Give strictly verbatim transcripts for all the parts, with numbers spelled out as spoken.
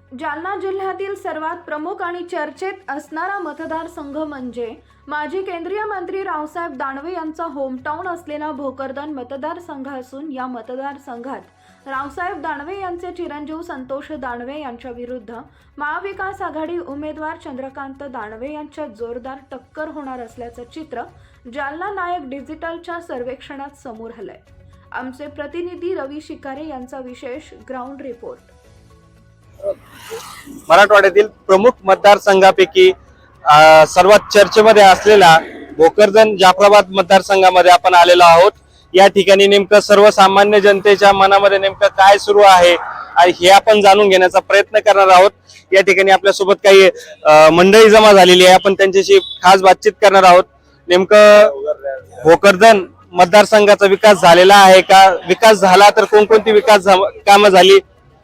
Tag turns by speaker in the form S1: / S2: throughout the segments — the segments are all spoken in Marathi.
S1: जालना जिल्ह्यातील सर्वात प्रमुख आणि चर्चेत असणारा मतदारसंघ म्हणजे माजी केंद्रीय मंत्री रावसाहेब दानवे यांचा होमटाउन असलेला भोकरदन मतदारसंघ असून या मतदारसंघात रावसाहेब दानवे यांचे चिरंजीव संतोष दानवे यांच्या विरुद्ध महाविकास आघाडी उमेदवार चंद्रकांत दानवे यांच्यात जोरदार टक्कर होणार असल्याचं चित्र जालना नायक डिजिटलच्या सर्वेक्षणात समोर आलंय। आमचे प्रतिनिधी रवी शिकारे यांचा विशेष ग्राउंड रिपोर्ट।
S2: मराठवाड्यातील प्रमुख मतदारसंघापैकी सर्वात चर्चेमध्ये असलेला भोकरदन जाफराबाद मतदारसंघामध्ये आपण आलेलो आहोत। या ठिकाणी नेमकं सर्वसामान्य जनतेच्या मनामध्ये नेमकं काय सुरू आहे हे आपण जाणून घेण्याचा प्रयत्न करणार आहोत। या ठिकाणी आपल्यासोबत काही मंडळी जमा झालेली आहे, आपण त्यांच्याशी खास बातचीत करणार आहोत। नेमकं भोकरदन मतदारसंघाचा विकास झालेला आहे का, विकास झाला तर कोणकोणती विकास कामं झाली,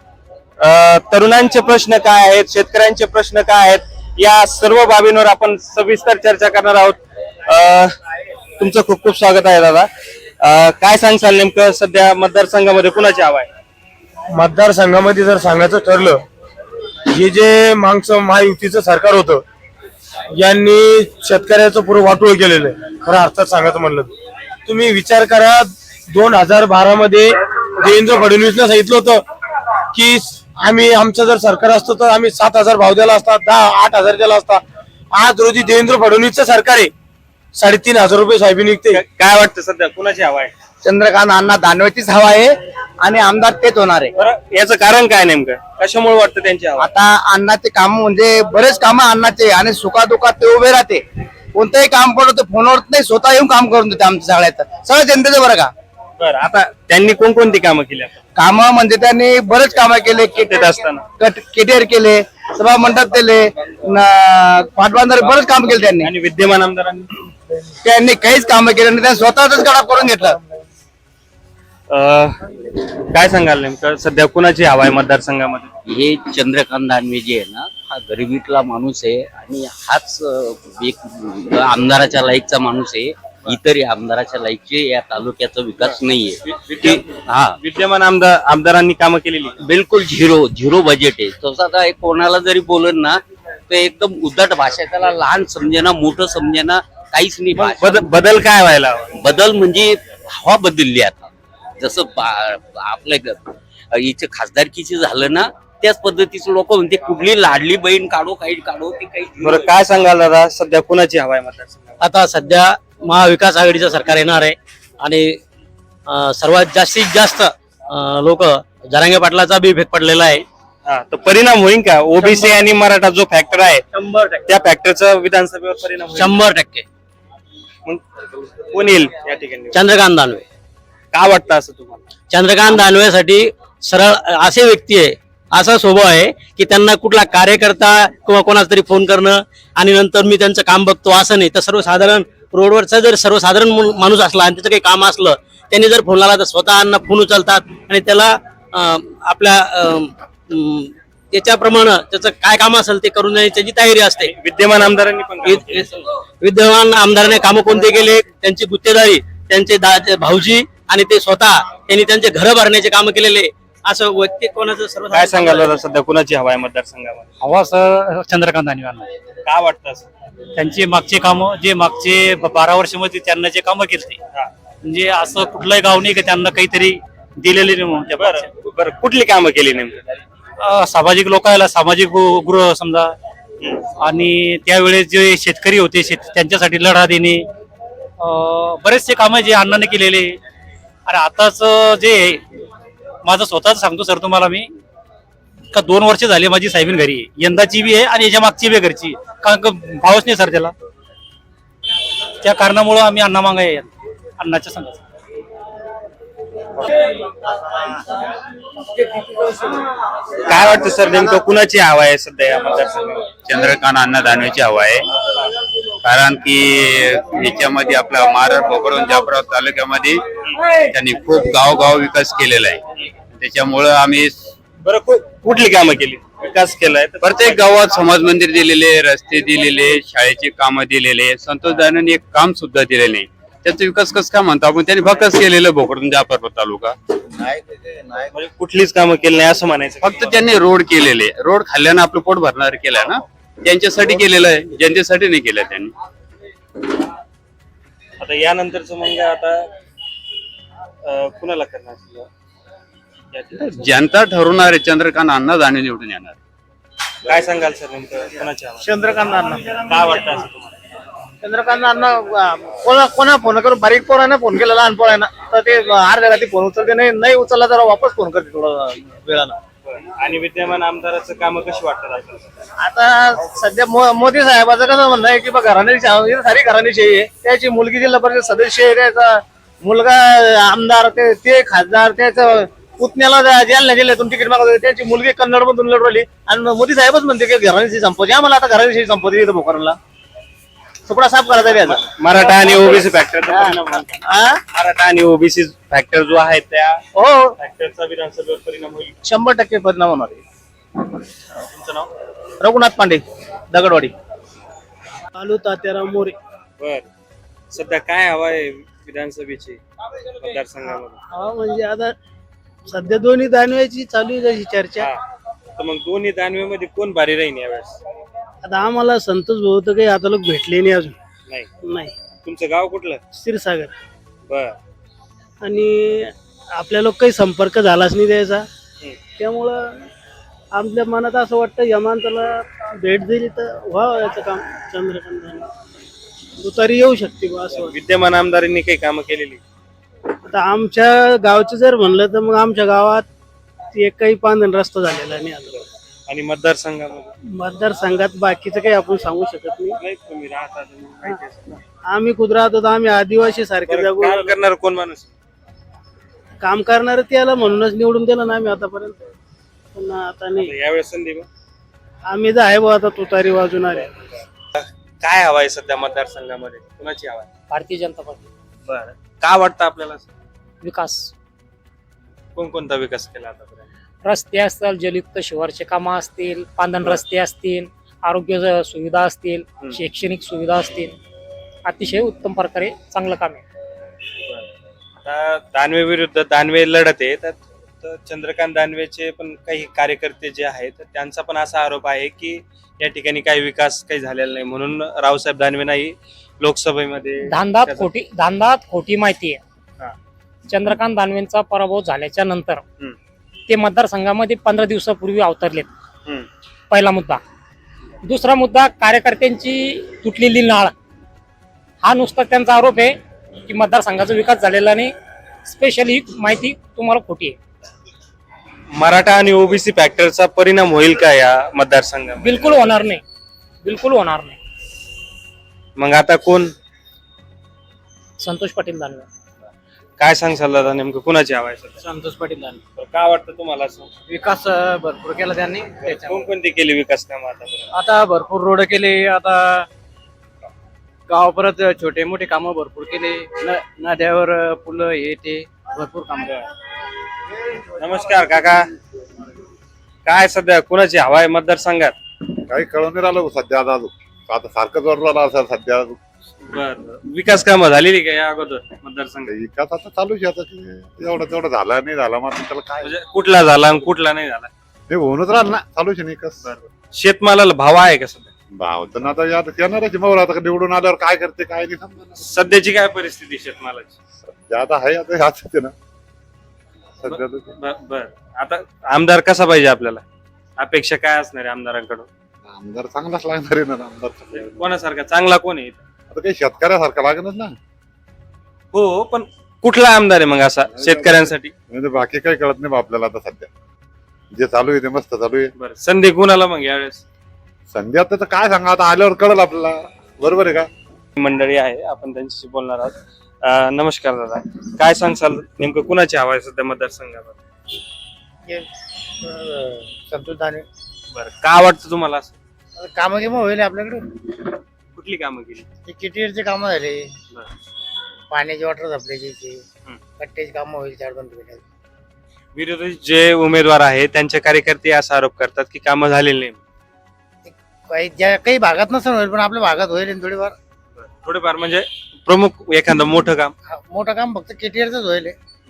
S2: तरुणांचे प्रश्न काय आहेत, शेतकऱ्यांचे प्रश्न काय आहेत, या सर्व बाबींवर आपण सविस्तर चर्चा करणार आहोत। तुमचं खूप खूप स्वागत आहे दादा। काय सांगसाल नेमकं सध्या मतदारसंघामध्ये कुणाची हवा आहे?
S3: मतदारसंघामध्ये जर सांगायचं ठरलं, हे जे मागचं महायुतीचं सरकार होतं यांनी शेतकऱ्याचं पुरं वाटोळ केलेलं आहे। खरं अर्थात सांगायचं म्हणलं तुम्ही विचार करा, दोन हजार बारा मध्ये देवेंद्र फडणवीसने सांगितलं होतं की आम्ही आमचं जर सरकार असतं तर आम्ही सात हजार भाव दिला असता, दहा आठ हजार दिला असता। आज रोजी देवेंद्र फडणवीसचं सरकार आहे, साडेतीन हजार रुपये सोयाबीन निघते।
S2: काय वाटतं सध्या कुणाची हवा आहे?
S4: चंद्रकांत अण्णा दानवेचीच हवा आहे आणि आमदार तेच होणार आहे।
S2: याचं कारण काय नेमकं, कशामुळे वाटतं त्यांची हवा?
S4: आता अण्णाचे काम म्हणजे बरेच काम अण्णाचे आणि सुखादुखात ते उभे राहते। कोणतंही काम पडलं तर फोनवर नाही, स्वतः येऊन काम करून देते आमच्या सगळ्यात सगळ्या जनतेचं। बरं का,
S2: बरं आता त्यांनी कोणकोणती कामं केली?
S4: काम म्हणजे त्यांनी बरेच कामं केले,
S2: केटीआर असताना
S4: केटीआर केले, सभा मंडप केले, पाटबंधारे बरेच काम केले त्यांनी।
S2: आणि विद्यमान आमदारांनी
S4: त्यांनी काहीच काम केले नाही, त्यांनी स्वतःच गडा करून घेतलं।
S2: काय सांगाल नेमकं सध्या कुणाची हवा आहे मतदारसंघामध्ये?
S5: हे चंद्रकांत दानवे जे आहे ना, हा गरिबीतला माणूस आहे आणि हाच एक आमदाराच्या लायकचा माणूस आहे। इतर आमदाराच्या लायकचे या तालुक्याचा विकास नाहीये। हा,
S2: विद्यमान आमदार आमदारांनी कामं केलेली
S5: बिलकुल झिरो झिरो बजेट आहे। तसं आता कोणाला जरी बोलन ना तर एकदम उद्धट भाषा, त्याला लहान समजेना मोठं समजेना काहीच नाही।
S2: बदल बदल काय व्हायला हवा?
S5: बदल म्हणजे हवा बदलली आता। जसं आपल्या इथे खासदारकीची झालं ना, त्याच पद्धतीचं लोक म्हणते कुठली लाडली बहीण काढो काही काढो ते काही।
S2: बरं काय सांगाल दादा, सध्या कुणाची हवा आहे मतदारसंघात?
S6: आता सध्या महाविकास आघाडीचं सरकार येणार आहे आणि सर्वात जास्तीत जास्त लोक जरांगे पाटलाचा बी इफेक्ट पडलेला आहे।
S2: हा, तर परिणाम होईल का? ओबीसी आणि मराठा जो फॅक्टर आहे त्या फॅक्टरचा विधानसभेवर परिणाम होईल?
S6: शंभर टक्के
S2: मग कोण येईल या ठिकाणी?
S6: चंद्रकांत दानवे।
S2: का वाटतं असं तुम्हाला?
S6: चंद्रकांत दानवेसाठी सरळ असे व्यक्ती आहे, असा स्वभाव आहे की त्यांना कुठला कार्यकर्ता किंवा कोणाचा तरी फोन करणं आणि नंतर मी त्यांचं काम बघतो असं नाही। तर सर्वसाधारण रोडवरचा जर सर्वसाधारण माणूस असला आणि त्याचं काही काम असलं, त्यांनी जर फोन लावला तर स्वतःना फोन उचलतात आणि त्याला आपल्या त्याच्याप्रमाणे त्याचं काय काम असेल ते करून देण्याची त्याची तयारी असते।
S2: विद्यमान आमदारांनी पण
S6: विद्यमान आमदारांनी कामं कोणते केले, त्यांची गुत्तेदारी, त्यांचे भाऊजी आणि ते स्वतः त्यांनी त्यांचे घर भरण्याचे काम केलेले, असं व्यक्ती कोणाचं सर्व।
S2: काय सांगाल सध्या कुणाची हवा आहे मतदारसंघामध्ये?
S7: हवा सर चंद्रकांत दानवे।
S2: का वाटतं असं?
S7: त्यांची मागचे कामं जे मागचे बारा वर्षामध्ये त्यांना जे कामं केली, म्हणजे असं कुठलंही गाव नाही की त्यांना काहीतरी दिलेले नाही म्हणून।
S2: बरं बरं कुठली कामं केली नेमकं?
S7: सामाजिक लोकांना सामाजिक गृह समजा, आणि त्यावेळेस जे शेतकरी होते शेत त्यांच्यासाठी लढा देणे, बरेचसे कामं जे अण्णाने केलेले। आणि आताच जे माझं स्वतःच सांगतो सर तुम्हाला मी, का दोन वर्ष झाले माझी साहेबीन घरी आहे, यंदाची बी आहे आणि याच्या मागची बी घरची, कारण का भावच नाही सर त्याला। त्या कारणामुळे आम्ही अण्णा मागाय अण्णाच्या संघाचा।
S2: काय वाटतं सर नेमकं कुणाची हवा आहे सध्या या मतदारसंघात?
S8: चंद्रकांत अण्णा दानवेची हवा आहे, कारण की याच्यामध्ये आपला महाराष्ट्र भोकरदन जाफराबाद तालुक्यामध्ये त्यांनी खूप गावगाव विकास केलेला आहे। त्याच्यामुळं आम्ही
S2: बरं कुठली कामं केली, विकास केलाय?
S8: प्रत्येक गावात समाज मंदिर दिलेले, रस्ते दिलेले, शाळेचे कामं दिलेले। संतोष दानवेंनी एक काम सुद्धा दिले नाही, त्याचा विकास कसं काय म्हणतो आपण, त्यांनी फक्तच केलेलं भोकरदन जाफराबाद तालुका.
S2: म्हणजे कुठलीच कामं केली नाही असं म्हणायचं.
S8: फक्त त्यांनी रोड केलेले, रोड खाल्ल्यानं आपलं पोट भरणार केलंय ना, त्यांच्यासाठी केलेलं आहे, जनतेसाठी नाही केलं त्यांनी.
S2: आता यानंतरचं मग आता अं, कुणाला करणार या ठिकाणी?
S8: जनता ठरवणार आहे, चंद्रकांत अण्णा दानवे निवडून येणार.
S2: काय सांगाल सर नेमकं कुणाची हवा?
S3: चंद्रकांत अण्णा
S2: काय वाटतं असं तुम्हाला?
S3: चंद्रकांत अण्णा कोणा कोणा फोन करून बारीक पोरानं फोन केला, लहान पोरानं तर ते अर्ध्या रात्री फोन उचलते, नाही नाही उचलला तर वापस फोन करते थोडा वेळानं.
S2: आणि विद्यमान आमदाराचं काम कशी वाटतात आपल्याला?
S3: आता सध्या मो- मोदी साहेबाचं कसं म्हणणं आहे की बा घराण्याची सारी घराण्याची आहे, त्याची मुलगी जिल्हा परिषद सदस्य आहे, त्याचा मुलगा आमदार, ते ते खासदार, त्याचं पुतण्याला जालना जिल्ह्यातून तिकीट मागत होते, त्याची मुलगी कन्नड मधून लढवली आणि मोदी साहेबच म्हणते की घराण्याची संपत्ती आम्हाला आता घराण्याची संपत्ती येतं भोकरला सुपडा साफ करायचा आहे याचा.
S2: मराठा आणि ओबीसी फॅक्टर
S3: हा?
S2: मराठा आणि ओबीसी फॅक्टर जो आहे त्या
S3: हो
S2: फॅक्टरचा विधानसभेवर परिणाम होईल.
S3: शंभर टक्के परिणाम होणार आहे.
S2: तुमचं नाव?
S3: रघुनाथ पांडे, दगडवाडी.
S6: आलू तात्याराम मोरे.
S2: बर, सध्या काय हवा आहे विधानसभेची मतदारसंघामध्ये?
S6: हा म्हणजे आता सध्या दोन्ही दानव्याची चालू आहे त्याची चर्चा.
S2: हा. तर मग दोन्ही दानवेमध्ये कोण भारी राहील यावेळेस?
S6: आता आम्हाला संतोष भाऊ तर काही आता लोक भेटले नाही अजून.
S2: नाही.
S6: नाही.
S2: तुमचं गाव कुठलं?
S6: क्षीरसागर.
S2: बर.
S6: आणि आपल्या लोक काही संपर्क झालाच नाही त्याचा, त्यामुळं आपल्या मनात असं वाटतं यमांताला भेट दिली तर व्हावं याचं काम. चंद्रकांत उतारी येऊ शकते बा असं वाटतं.
S2: विद्यमान आमदारांनी काही कामं केलेली?
S6: आता आमच्या गावचं जर म्हणलं तर मग आमच्या गावात एकही पांधन रस्ता झालेला नाही अजून.
S2: आणि मतदारसंघामध्ये?
S6: मतदारसंघात बाकीचं काही आपण सांगू शकत नाही.
S2: नाही, तुम्ही राहता तुम्ही माहिती असेल ना.
S6: आम्ही खुद राहतो तर आम्ही आदिवासी सारखे
S2: बरं,
S6: जगू.
S2: काम करणार कोण माणूस?
S6: काम करणार त्याला म्हणूनच निवडून दिलं ना आम्ही आतापर्यंत, पण आता नाही.
S2: यावेळेस संधी मग
S6: आम्ही तर आहे बा आता तुतारी वाजवणार आहे.
S2: काय हवाय सध्या मतदारसंघामध्ये? कुणाची हवा आहे?
S9: भारतीय जनता पार्टी.
S2: बरं, का वाटतं आपल्याला?
S9: विकास,
S2: कोणकोणता विकास केला आतापर्यंत?
S9: रस्ते असतील, जलयुक्त शिवारचे कामं असतील, पांधन रस्ते असतील, आरोग्य सुविधा असतील, शैक्षणिक सुविधा असतील, अतिशय उत्तम प्रकारे चांगलं काम आहे.
S2: आता दानवे विरुद्ध दानवे लढत आहे, तर तर चंद्रकांत दानवेचे पण काही कार्यकर्ते जे आहेत तर त्यांचा पण असा आरोप आहे की या ठिकाणी काही विकास काही झालेला नाही, म्हणून रावसाहेब दानवे नाही लोकसभेमध्ये.
S9: धांदात
S2: त्याचा-
S9: खोटी धांदात खोटी माहिती
S2: हा.
S9: आहे. चंद्रकांत दानवेंचा पराभव झाल्याच्या नंतर
S2: हम्म.
S9: ते मतदारसंघामध्ये पंधरा दिवसापूर्वी अवतरलेत.
S2: हम्म.
S9: पहिला मुद्दा. दुसरा मुद्दा, कार्यकर्त्यांची तुटलेली नाळ. हा नुसता त्यांचा आरोप आहे की मतदारसंघाचा विकास झालेला नाही. स्पेशली ही माहिती तुम्हाला खोटी आहे.
S2: मराठा आणि ओबीसी फॅक्टरचा परिणाम होईल का या मतदारसंघात?
S9: बिलकुल होणार नाही, बिलकुल होणार नाही.
S2: मग आता कोण?
S9: संतोष पाटील दानवे.
S2: काय सांगशाल दादा, नेमकं कुणाची हवा आहे सध्या?
S9: संतोष पाटील दानवे.
S2: बरं, काय वाटतं तुम्हाला असं?
S3: विकास भरपूर केला त्यांनी.
S2: कोणकोणती केली विकास कामं आतापर्यंत?
S3: आता भरपूर रोड केले, आता गाव परत छोटे मोठे कामं भरपूर केले, न- नद्यावर पुलं हे ते भरपूर काम.
S2: नमस्कार काका, काय सध्या कुणाची हवा आहे मतदारसंघात?
S10: काही कळून नाही राहिलं सध्या. आता आता सारखं जोर राहिला असं सध्या.
S2: बर, विकास कामं झालेली का या अगोदर मतदारसंघात?
S10: विकास आता चालूच आहे. आता ते एवढं तेवढं झाला नाही झाला मग त्याला काय
S2: म्हणजे कुठला झाला आणि कुठला नाही झाला?
S10: ते होऊनच राहिलं ना, चालूच आहे विकास.
S2: शेतमालाला भाव आहे का सध्या?
S10: भाव तर आता यात येणारच मग आता निवडून आल्यावर काय करते काय नाही समजा.
S2: सध्याची काय परिस्थिती शेतमालाची?
S10: सध्या आता आहे आता ह्याच ते ना सध्या तर.
S2: बर बर. आता आमदार कसा पाहिजे आपल्याला? अपेक्षा काय असणार आहे आमदारांकडून?
S10: आमदार चांगलाच लागणार आहे ना. आमदार
S2: कोणासारखा चांगला कोण आहे?
S10: आता काही शेतकऱ्यासारखा लागणच ना.
S2: हो, पण कुठला आमदार आहे मग असा शेतकऱ्यांसाठी?
S10: म्हणजे बाकी काही कळत नाही बा आपल्याला आता सध्या. जे चालू आहे ते मस्त चालू आहे.
S2: बरं, संधी कुणाला मग यावेळेस?
S10: संधी आता तर काय सांगा, आता आल्यावर कळलं आपल्याला. बरोबर आहे का?
S2: मंडळी आहे, आपण त्यांच्याशी बोलणार आहोत. अं, नमस्कार दादा, काय सांगसाल नेमकं कुणाची हवा आहे सध्या मतदारसंघामध्ये?
S3: संतोष दानवे.
S2: बरं, का वाटतं तुम्हाला असं?
S3: कामं किंवा होईल आपल्याकडे.
S2: कुठली कामं केली?
S3: किटीवरचे कामं झाले,
S2: बरं.
S3: पाण्याची वॉटर सप्लायची,
S2: हम्म.
S3: कट्ट्याची कामं होईल चार दोन पिढ्यात.
S2: विरोधी जे उमेदवार आहेत त्यांचे कार्यकर्ते असा आरोप करतात की कामं झालेली नाही.
S3: काही ज्या काही भागात नसेल होईल पण आपल्या भागात होईल थोडीफार.
S2: थोडेफार म्हणजे प्रमुख एखादं मोठं काम.
S3: मोठं काम फक्त केटीआरच होईल.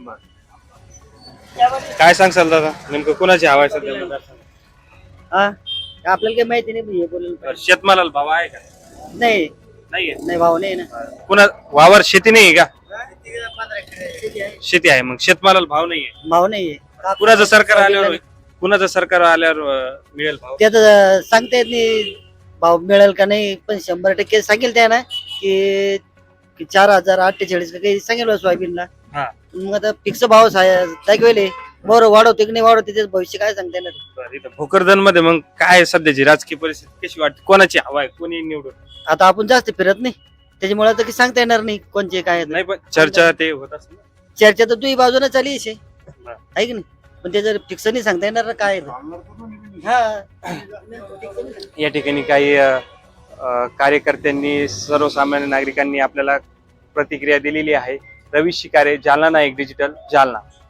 S2: काय सांगसाल दादा नेमकं कोणाची हवा आहे सध्या मतदारसंघात?
S4: आपल्याला काही माहिती नाही बोलेल
S2: शेतमालाला भाव आहे का?
S4: नाही
S2: नाहीये.
S4: नाही भाऊ नाही ना.
S2: कुणा वावर शेती नाही का? शेती आहे मग शेतमालाला भाव नाहीये.
S4: भाऊ नाहीये.
S2: कुणाचं सरकार आल्यावर कुणाचं सरकार आल्यावर अं, मिळेल भाव?
S4: त्यात सांगता येत नाही भाव मिळेल का नाही, पण शंभर टक्के सांगेल त्या ना की की चार हजार अठ्ठेचाळीस का काही सांगेल सोयाबीनला.
S2: हा.
S4: मग आता फिक्स भाव दाखवेल बरं वाढवते की नाही वाढवते त्याचं भविष्य काय सांगता येणार.
S2: बरं, इथं भोकरदन मध्ये मग काय सध्याची राजकीय परिस्थिती कशी वाटते? कोणाची हवा आहे? कोणी निवडून?
S4: आता आपण जास्त फिरत नाही त्याच्यामुळे आता काही सांगता येणार नाही कोणचे काय आहे.
S2: नाही पण चर्चा ते होत असेल.
S4: चर्चा तर तुझी बाजूने चाली आहे
S2: बरं.
S4: की नाही, पण ते जर फिक्स नाही सांगता येणार ना काय आहे. हा
S2: या ठिकाणी काही अ, अ, कार्यकर्त्यांनी सर्वसामान्य नागरिकांनी आपल्याला प्रतिक्रिया दिलेली आहे. रवी शिकारे, जालना नाईक डिजिटल, जालना.